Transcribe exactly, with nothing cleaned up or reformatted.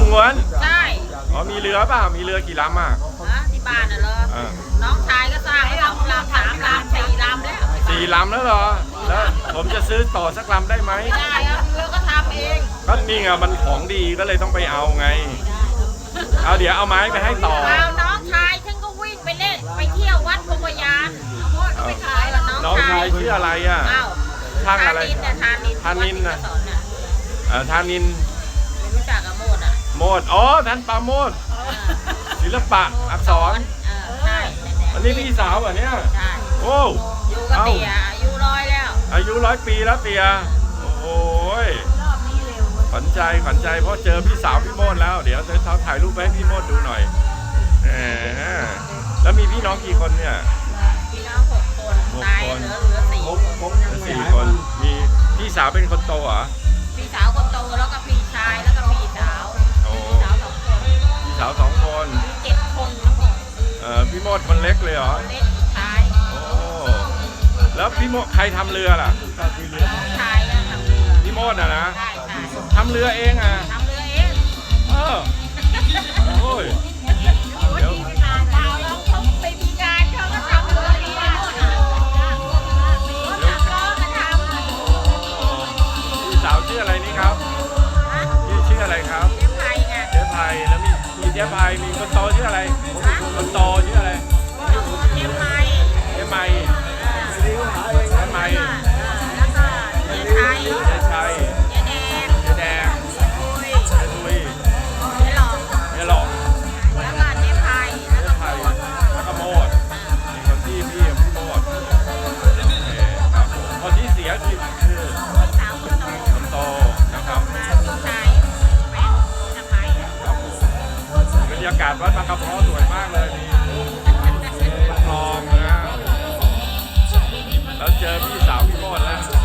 ง้วนใช่อ๋อมีเรือเปล่ามีเรือกี่ลำอ่ะที่บ้านน่ะเหรอน้องชายก็สร้างแล้วลำสามลำสี่ลำแล้วสี่ลำแล้วเหรอแล้วผมจะซื้อต่อสักลำได้ไหมไม่ได้ครับเรือก็ทำเองก็นี่ไงมันของดีก็เลยต้องไปเอาไงเอาเดี๋ยวเอาไม้ไปให้ต่อเอาน้องชายฉันก็วิ่งไปเล่นไปเที่ยววัดพญายานไปขายแล้วน้องชายชื่ออะไรอ่ะช่างอะไรทานินทานินนะเออทานินไม่รู้จักกับโมดอ่ะโมดอ๋อท่านปาโมดศิลปะอักษรใช่อันนี้พี่สาวอ่ะเนี่ยโอ้อยู่กับเตียอายุร้อยแล้วอายุร้อยปีแล้วเตียโอ้ยขวัญใจขวัญใจเพราะเจอพี่สาวพี่โมดแล้วเดี๋ยวจะถ่ายรูปไปให้พี่โมดดูหน่อยแล้วมีพี่น้องกี่คนเนี่ยพี่น้องหกคนตายเหลือเหลือสี่คนสี่คนมีพี่สาวเป็นคนโตเหรอพี่สาวคนโตแล้วก็พี่ชายแล้วก็พี่สาวพี่สาวสองคนพี่สาวสองคนมีเจ็ดคนทั้งหมดเออพี่โมดคนเล็กเลยเหรอเล็กชายโอ้แล้วพี่โมดใครทำเรือล่ะชายก็ทำเรือพี่โมดอ่ะนะทำเรือเองอ่ะทำเรือเองเออโอ้ยเดี๋ยวเปล่าแล้วเขาไปมีงานเขาก็ทำเรือเองพี่สาวชื่ออะไรนี่ครับชื่อชื่ออะไรครับเจ๊ไพไงเจ๊ไพแล้วมีมีเจ๊ไพมีคนโตชื่ออะไรคนโตชื่ออะไรเจ๊ไพเจ๊ไพเจ๊ไพแล้วก็เจ๊ไทยเจ๊ชัยเจ๊แดงเจ๊แดงคุยเจ๊ตุยเจ๊หลอกเจ๊หลอกแล้วก็เจ๊ไพแล้วก็โมดแล้วก็โมดมีคนที่พี่พี่โมดครับคนที่เสียชีวิตคือพี่สาวคนโตคนโตนะครับมาพี่ชายเป็นสะพ้ายครับผมบรรยากาศวัดบางกระเพาะสวยมากเลยนี่